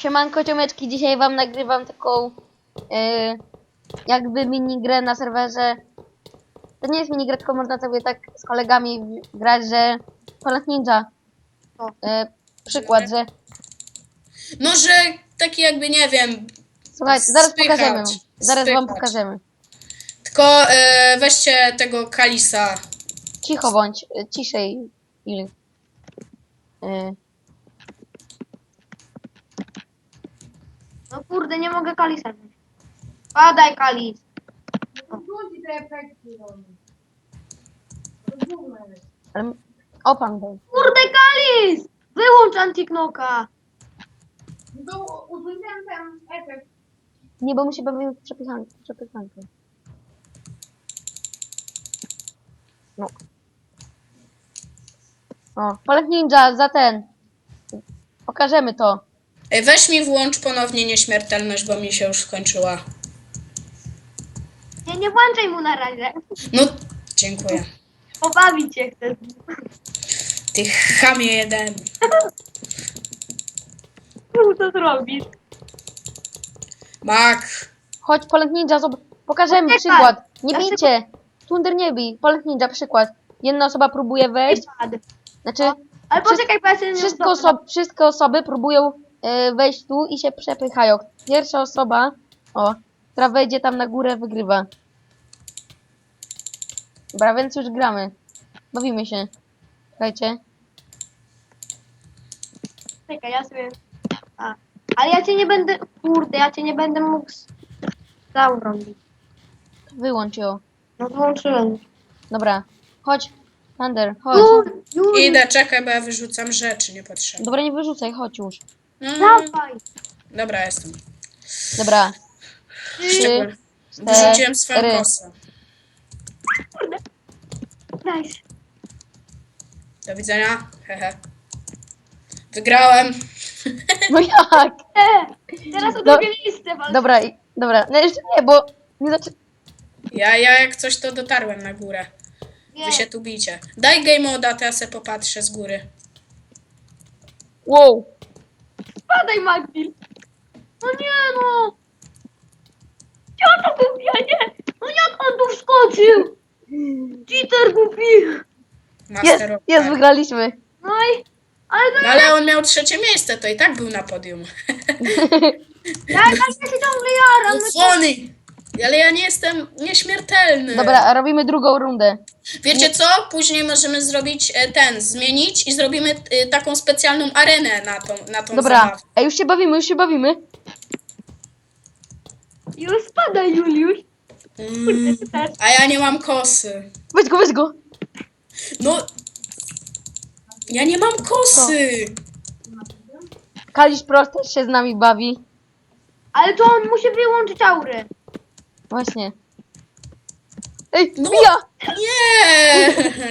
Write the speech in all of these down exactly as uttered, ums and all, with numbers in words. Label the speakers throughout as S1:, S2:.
S1: Siemanko ciomeczki, dzisiaj wam nagrywam taką yy, jakby minigrę na serwerze. To nie jest minigra, tylko można sobie tak z kolegami grać, że Polak Ninja. Yy, przykład, że...
S2: Może taki jakby, nie wiem...
S1: Słuchajcie, zaraz
S2: spychacz,
S1: pokażemy. Zaraz wam
S2: spychacz.
S1: pokażemy.
S2: Tylko e, weźcie tego Kalisa.
S1: Cicho bądź, yy, ciszej. Ili. Yy.
S3: No kurde, nie mogę Kalisa wziąć. Padaj Kalis.
S1: Ale... O pan był.
S3: Kurde Kalis! Wyłącz Antiknoka.
S4: To użyłem ten efekt.
S1: Nie, bo my się bawimy w przepychankę. przepychankę. No. O, Polak Ninja, za ten. Pokażemy to.
S2: Ej, weź mi włącz ponownie nieśmiertelność, bo mi się już skończyła.
S3: Nie, nie włączaj mu na razie.
S2: No, dziękuję.
S3: Pobawić się chcę.
S2: Ty chamie jeden.
S3: Tu co zrobisz?
S2: Mak.
S1: Chodź, Polak Ninja, zob- pokażemy
S3: Czekaj.
S1: przykład. Nie
S3: Ja
S1: bijcie. Tunder nie bij. Polak Ninja, przykład. Jedna osoba próbuje wejść.
S3: Padł.
S1: Znaczy,
S3: Ale poczekaj, bo ja się nie
S1: wszystkie,
S3: dobra.
S1: oso- wszystkie osoby próbują e, wejść tu i się przepychają. Pierwsza osoba, o, która wejdzie tam na górę, wygrywa. Dobra, więc już gramy. Bawimy się. Słuchajcie.
S3: Czekaj, ja sobie... A. Ale ja cię nie będę... Kurde, ja cię nie będę mógł... Zaurąbić.
S1: Wyłącz ją.
S3: No włączyłem.
S1: Dobra. Chodź. Thunder, chodź.
S3: Już, już.
S2: Idę, czekaj, bo ja wyrzucam rzeczy niepotrzebne.
S1: Dobra, nie wyrzucaj, chodź już.
S2: Mm,
S3: Dawaj.
S2: dobra, jestem.
S1: Dobra.
S2: Szczególnie.
S1: Trzy,
S2: Wyrzuciłem swoją
S1: cztery.
S2: kosę.
S3: Kurde. Nice.
S2: Do widzenia. Hehe. Wygrałem.
S1: No jak?
S3: E, teraz o
S1: Do-
S3: drugie miejsce walczę.
S1: Dobra, i- dobra. No jeszcze nie, bo nie zaczę...
S2: Ja, ja jak coś to dotarłem na górę.
S3: Nie.
S2: Wy się tu bicie. Daj game moda, to ja se popatrzę z góry.
S1: Wow.
S3: Spadaj, Magdil. No nie no. Ja to głupia, nie. No jak on tu wskoczył? Cheater głupi.
S1: Jest,
S2: Master of
S1: jest,
S2: Fire.
S1: wygraliśmy.
S3: No i... Ale to
S2: No ale on miał trzecie miejsce, to i tak był na podium.
S3: ja, ja się ciągle jaram. No to...
S2: Funny! Ale ja nie jestem nieśmiertelny.
S1: Dobra, robimy drugą rundę.
S2: Wiecie co? Później możemy zrobić e, ten, zmienić i zrobimy e, taką specjalną arenę na tą, na tą
S1: Dobra,
S2: zabawę.
S1: ej, już się bawimy, już się bawimy.
S3: Już spadaj, Juliusz.
S2: Mm,
S3: Ty też.
S2: a ja nie mam kosy.
S1: Weź go, weź go.
S2: No. Ja nie mam kosy.
S1: Kalisz Prost też się z nami bawi.
S3: Ale to on musi wyłączyć aurę.
S1: Właśnie. Ej,
S2: No.
S1: bija!
S2: Nie.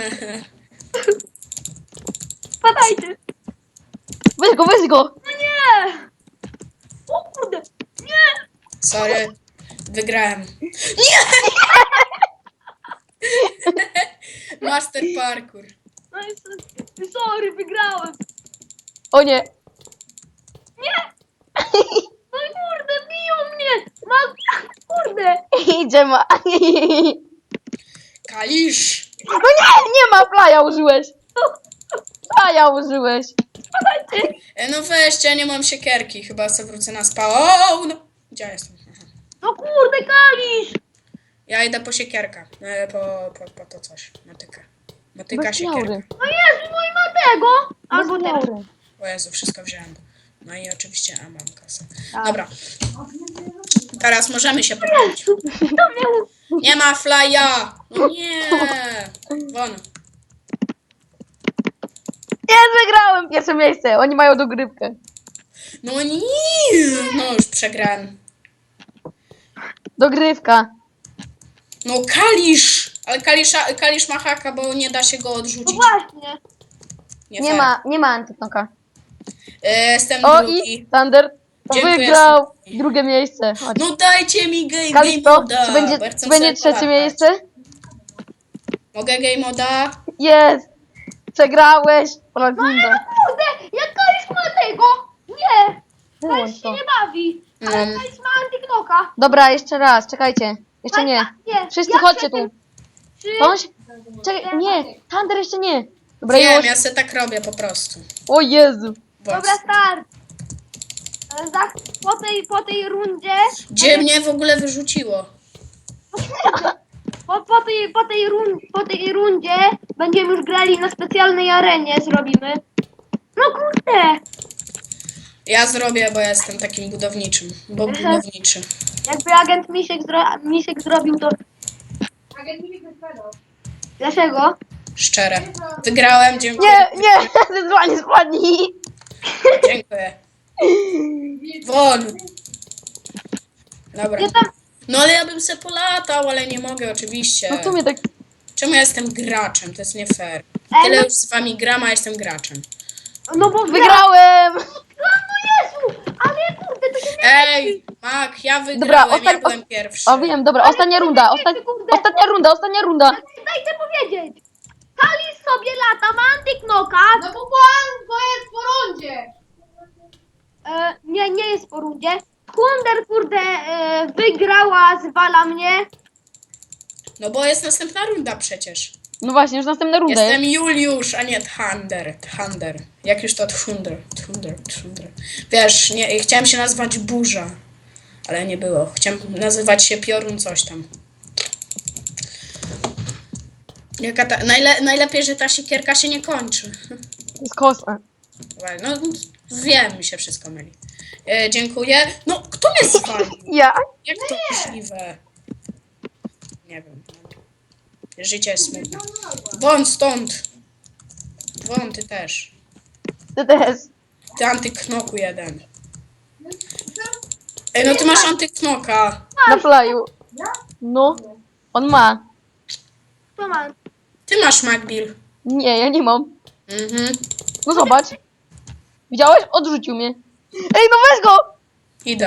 S3: Spadajcie.
S1: Weź go, weź go!
S3: No nie. O kurde. Nie.
S2: Sorry. Wygrałem. Nie! Master parkour.
S3: No i s- sorry, wygrałem.
S1: O nie!
S3: Nie. No i kurde, biją mnie. Mam... Kurde.
S1: Idzie ma.
S2: Kalisz.
S1: No nie, nie ma, playa użyłeś. Playa użyłeś.
S3: Spadajcie.
S2: E, no weźcie, ja nie mam siekierki. Chyba sobie wrócę na spa. O, no. Gdzie ja jestem? Aha.
S3: No kurde, Kalisz.
S2: Ja idę po siekierkę. E, po, po, po to coś. Motykę. Motyka,
S1: Bez
S2: siekierka.
S1: laury.
S3: No Jezu, no i ma tego. Albo
S1: Bez
S3: teraz.
S1: laury.
S2: O Jezu, wszystko wziąłem. No i oczywiście, a mam kasę.
S3: Tak.
S2: Dobra. Teraz możemy się poprawić.
S3: To miał...
S2: Nie ma flya! No nie! Won.
S1: Jest, wygrałem pierwsze miejsce. Oni mają dogrywkę.
S2: No nie! No już przegrałem.
S1: Dogrywka.
S2: No Kalisz! Ale Kalisza, Kalisz ma haka, bo nie da się go
S3: No
S2: odrzucić.
S3: właśnie.
S2: Nie,
S1: Nie
S2: fair.
S1: ma, nie ma antytoka.
S2: E, Jestem
S1: O
S2: drugi.
S1: i Thunder
S2: Dziękuję
S1: wygrał
S2: serdecznie.
S1: drugie miejsce. Chodź.
S2: No dajcie mi game, game
S1: Kalisz Pro,
S2: moda!
S1: czy będzie,
S2: bo ja chcę
S1: czy będzie
S2: sobie
S1: trzecie
S2: polatać.
S1: miejsce?
S2: Mogę game moda?
S1: Jest! Przegrałeś! Polak Ninja.
S3: Kurde, jak Kalisz ma tego? Nie.
S1: Wyłącz
S3: Weź się
S1: to.
S3: nie bawi.
S2: No.
S3: Ale to jest ma antyknoka.
S1: Dobra, jeszcze raz, czekajcie. Jeszcze nie.
S3: Nie.
S1: Wszyscy
S3: Jak
S1: chodźcie
S3: się
S1: tu.
S3: tym- Trzy,
S1: Bądź. Czekaj, nie. Thunder jeszcze nie. Dobra,
S2: Wiem,
S1: już.
S2: ja se tak robię po prostu.
S1: O Jezu.
S3: Dobra,
S2: Właśnie.
S3: start. E, Za, po, tej, po tej rundzie...
S2: Gdzie mnie w ogóle wyrzuciło?
S3: Po, po, tej, po, tej run, po tej rundzie będziemy już grali na specjalnej arenie, zrobimy. No kurde!
S2: Ja zrobię, bo ja jestem takim budowniczym. Bo budowniczy.
S3: Jakby agent Misiek, zro, Misiek zrobił to...
S4: Agent mi wysprzedał.
S3: Dlaczego?
S2: Szczere. Wygrałem, dziękuję.
S1: Nie, nie. Zezwanie spadnij.
S2: Dziękuję. Won. Dobra.
S3: Ja tam...
S2: No ale ja bym se polatał, ale nie mogę oczywiście.
S1: No w sumie tak.
S2: Czemu ja jestem graczem? To jest nie fair.
S3: Ej,
S2: Tyle
S3: no,
S2: już z wami gram, a jestem graczem.
S3: no bo...
S1: Wygrałem.
S3: No Jezu! Ale kurde, to się nie...
S2: Ej, Mak, ja
S1: Dobra,
S2: wygrałem, ja
S1: ostan-
S2: byłem pierwszy.
S1: O wiem, dobra, ostatnia runda. Osta- ostatnia runda, ostatnia runda.
S3: Dajcie powiedzieć! Kali sobie lata, ma antyknoka.
S4: No bo pan, to jest po rundzie.
S3: E, nie, nie jest po rundzie. Hunder, kurde, e, wygrała, zwala mnie.
S2: No bo jest następna runda przecież.
S1: No właśnie, już następna runda jest.
S2: Jestem Juliusz, a nie Thunder. Thunder. Jak już to Thunder. Thunder, Thunder. Wiesz, nie, chciałem się nazywać Burza, ale nie było. Chciałem nazywać się Piorun coś tam. Jaka ta, najle, najlepiej, że ta siekierka się nie kończy.
S1: To jest kosa.
S2: No, wiem, mi się wszystko myli. E, dziękuję. No, kto mnie zwalił?
S1: Ja?
S2: Jak to możliwe? Nie wiem. Życie jest smutne. Won stąd! Won, ty też.
S1: Ty też.
S2: Ty antyknoku jeden. Ej, no ty masz antyknoka.
S1: Na flyu. No. On ma.
S3: To ma.
S2: Ty masz Macbill.
S1: Nie, ja nie mam.
S2: Mhm.
S1: No zobacz. Widziałeś? Odrzucił mnie. Ej, no weź go!
S2: Idę.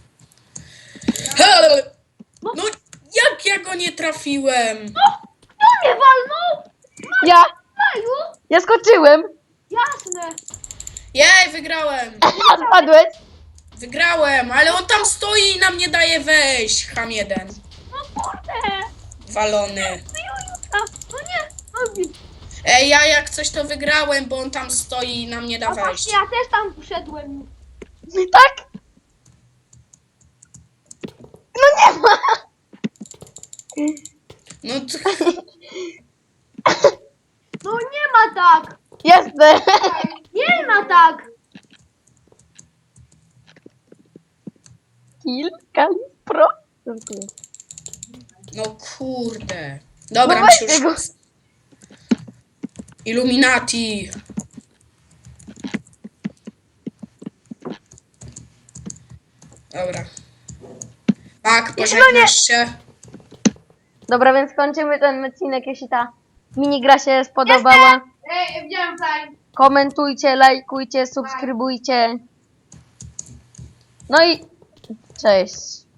S2: He! No, jak ja go nie trafiłem?
S3: Kto mnie walnął?
S1: Ja!
S3: Maju?
S1: Ja skoczyłem!
S3: Jasne.
S2: Jej, wygrałem.
S1: A spadłeś!
S2: Wygrałem, ale on tam stoi i nam nie daje wejść. Ham jeden.
S3: No kurde.
S2: Walony.
S3: Jujuta. No nie. No,
S2: Ej, ja jak coś to wygrałem, bo on tam stoi i nam nie da
S3: a
S2: wejść.
S3: właśnie, ja też tam wszedłem.
S1: Tak? No nie ma!
S2: No to...
S3: No nie ma tak.
S1: Jestem!
S3: Nie ma tak.
S1: Kill, Kali, pro. Dziękuję.
S2: No kurde. Dobra,
S1: No
S2: mi się
S1: weźcie go.
S2: już... Illuminati. Dobra. Tak, pożegnasz się.
S1: Dobra, więc kończymy ten odcinek, jeśli ta minigra się spodobała.
S4: Ej, widziałem fajnie.
S1: Komentujcie, lajkujcie, subskrybujcie. No i cześć.